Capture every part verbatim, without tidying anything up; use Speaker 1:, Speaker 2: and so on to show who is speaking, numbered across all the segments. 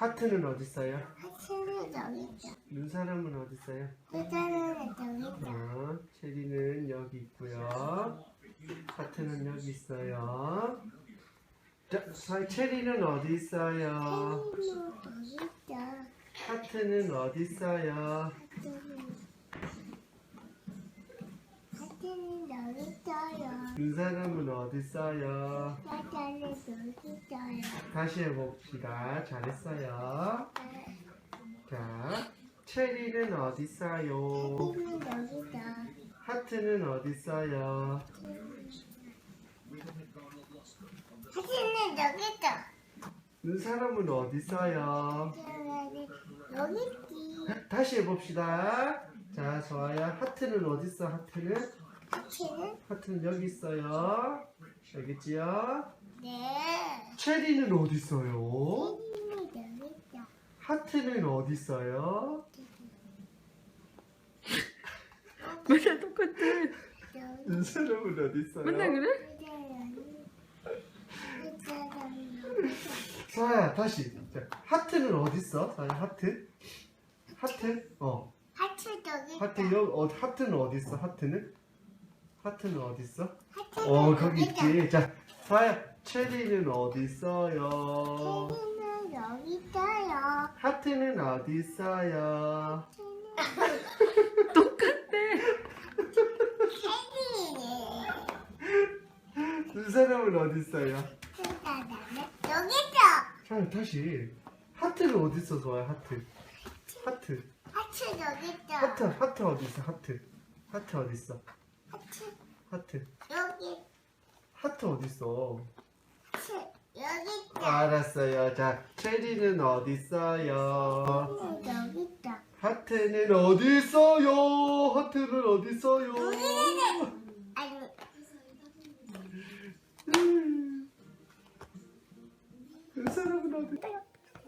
Speaker 1: 하트는 어디 있어요?
Speaker 2: 하트는 여기 있다.
Speaker 1: 눈사람은 어디 있어요?
Speaker 2: 하트는 여기 있다.
Speaker 1: 어, 체리는 여기 있고요. 하트는 여기 있어요. 자, 자, 체리는 어디 있어요?
Speaker 2: 하트는 여기 있다.
Speaker 1: 하트는 어디 있어요?
Speaker 2: 하트는 하트는 여기 있어요.
Speaker 1: 눈사람은 어디 있어요?
Speaker 2: 하트는 여기 있어요.
Speaker 1: 다시 해봅시다. 잘했어요. 자, 체리는 어디 있어요?
Speaker 2: 하트는 여기 있다.
Speaker 1: 하트는 어디 있어요?
Speaker 2: 하트는 여기 있다.
Speaker 1: 눈사람은 어디 있어요?
Speaker 2: 하트는 여기 있지.
Speaker 1: 다시 해봅시다. 자, 좋아요. 하트는 어디 있어? 하트는?
Speaker 2: 하트는
Speaker 1: 하트는 여기 있어요. 알겠지요?
Speaker 2: 네.
Speaker 1: 체리는 어디 있어요?
Speaker 2: 하트는 여기 있다.
Speaker 1: 하트는 어디 있어요?
Speaker 3: 맨날 똑같아.
Speaker 2: 여기
Speaker 1: 눈사람은 어디 있어요?
Speaker 3: 맨날 그래?
Speaker 1: 서아야, 다시. 자, 하트는 어디 있어? 서아야, 하트? 하트? 어.
Speaker 2: 하트 여기 있다.
Speaker 1: 하트 여 어, 하트는 어디 있어? 하트는? 하트는 어디 있어?
Speaker 2: 하트는
Speaker 1: 어, 거기
Speaker 2: 있다.
Speaker 1: 있지. 자, 서아야, 체리는 어디 있어요?
Speaker 2: 체리는 여기 있어요.
Speaker 1: 하트는 어디 있어요?
Speaker 2: 체리.
Speaker 1: 눈사람은 어디 있어요?
Speaker 2: 여기 있어.
Speaker 1: 자, 다시. 하트는 어디 있어, 서아야? 하트. 하트.
Speaker 2: 하트 여기 있어.
Speaker 1: 하트, 하트 어디 있어? 하트. 하트 어디 있어?
Speaker 2: 하트
Speaker 1: 하트.
Speaker 2: 여기.
Speaker 1: 하트 어디 있어?
Speaker 2: 하트 여기 있어.
Speaker 1: 알았어요. 자, 체리는 어디 있어요?
Speaker 2: 체리는 여기 있어.
Speaker 1: 하트는 어디 있어요? 하트는 어디 있어요?
Speaker 2: 아니
Speaker 1: 음. 눈사람은 어디?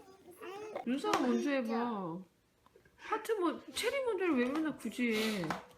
Speaker 3: 눈사람 먼저 해봐. 하트 뭐 체리 먼저를 왜 맨날 굳이 해?